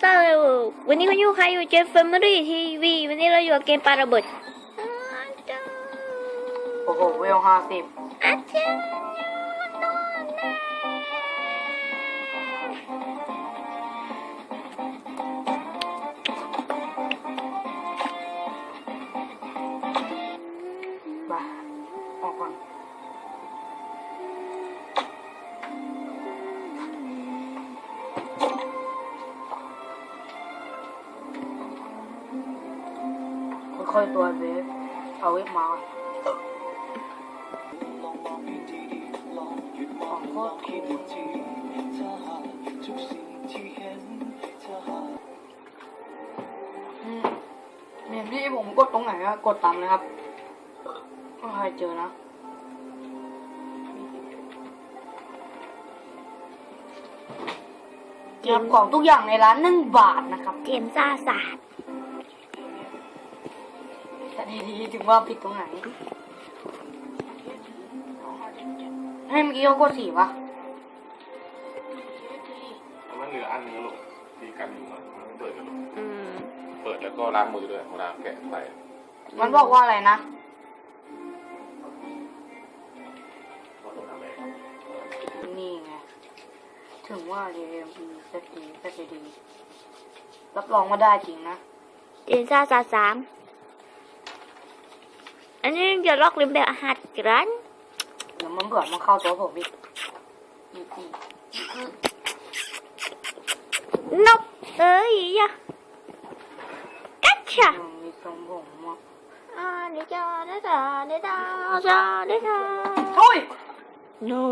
เตอร์วันนี้คุณอยู่ใครอยู่เจฟเฟอร์มารีทีวีวันนี้เราอยู่กับเกมปาระเบิดโอ้โหเวล50 อาจารย์บ้าออกก่อนค่อยๆตัวเวฟเอาเวฟมาของโคตรถูกเนี่ยที่ผมกดตรงไหนก็กดตามเลยครับไม่ใครเจอนะเก็บของทุกอย่างในร้าน1 บาทนะครับเกมซ่าศาสตร์แต่ดีๆถึงว่าผิดตรงไหนให้เมื่อกี้เขากด4 ปะมันเหลืออันนึงลูกตีกันอยู่มันเปิดกันเปิดแล้วก็ล้างมือด้วยเวลาแกะใส่มันบอกว่าอะไรนะนี่ไงถึงว่า DMP เซตดีรับรองว่าได้จริงนะเกมซ่าศาสตร์3อันนี้จะล็อกลิมแบบหัดกันเดี๋ยวมันเบื่อมันเข้าตัวผมอีกนกเอ้ยยะกัจฉะมีทรงผมอ่ะเดี๋ยวจ้าโอ้ยโน้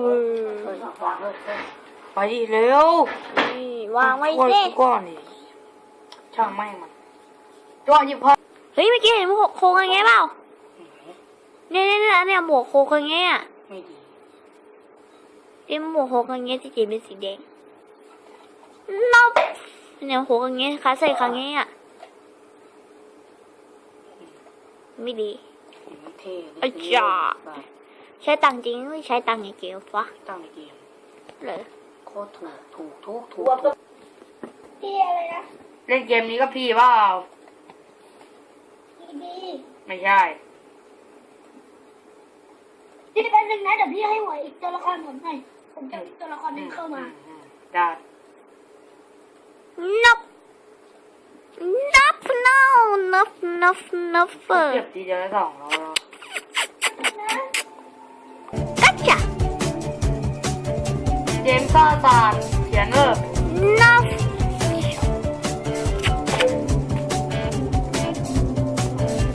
ไปดิเร็วนี่วางไว้สิก้อนนี่ช่างไม่มันตัวหยิบพอเฮ้ยเมื่อกี้เห็นหมวกโคงยังไงเปล่าเนี่ยหมวกโคงยังไงอ่ะไม่ดีที่หมวกโคงยังไงที่จีเป็นสีแดงนบเนี่ยโคงยังไงขาใส่ครั้งนี้อ่ะไม่ดีอาจารย์ใช้ตังจริงไม่ใช้ตังในเกมฟะตังในเกมเลยโคตรถูกพี่อะไรนะเล่นเกมนี้ก็พี่เปล่าไม่ใช่พี่แป๊บนึงนะเดี๋ยวพี่ให้หวยอีกตัวละครผมหน่อยผมจะตัวละครนึงเข้ามาได้นับเก็บทีเดียวได้2แล้วกัจฉะเกมซ่าศาสตร์เขียน